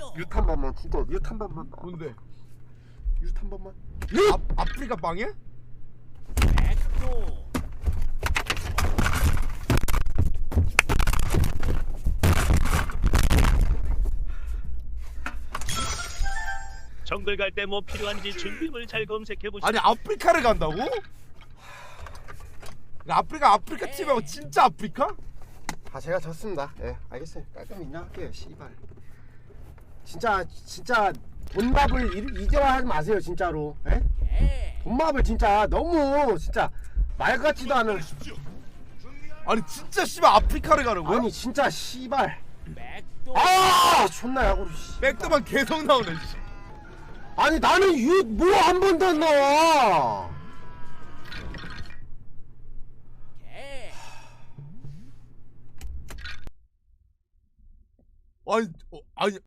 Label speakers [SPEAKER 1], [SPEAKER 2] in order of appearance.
[SPEAKER 1] 유탄 번만 진짜 유탄 번만
[SPEAKER 2] 뭔데?
[SPEAKER 1] 유탄 번만
[SPEAKER 2] 아프리카 빵이야?
[SPEAKER 3] 정글 갈 때 뭐 필요한지 준비물 잘 검색해 보시고.
[SPEAKER 2] 아니 아프리카를 간다고? 아프리카 팀하고 진짜 아프리카?
[SPEAKER 1] 아 제가 졌습니다. 예 알겠어요. 깔끔히 인정할게요. 씨발 진짜 돈밥을 이제와 하지 마세요 진짜로. 예? 돈밥을 진짜 너무 진짜 말 같지도 않은.
[SPEAKER 2] 아니 진짜 씨발 아프리카를 가는 거야?
[SPEAKER 1] 아니 진짜 씨발 아 존나 야구로 씨.
[SPEAKER 2] 백도만 계속 나오네 씨.
[SPEAKER 1] 아니 나는 뭐 한 번도 안 나와.
[SPEAKER 2] 아니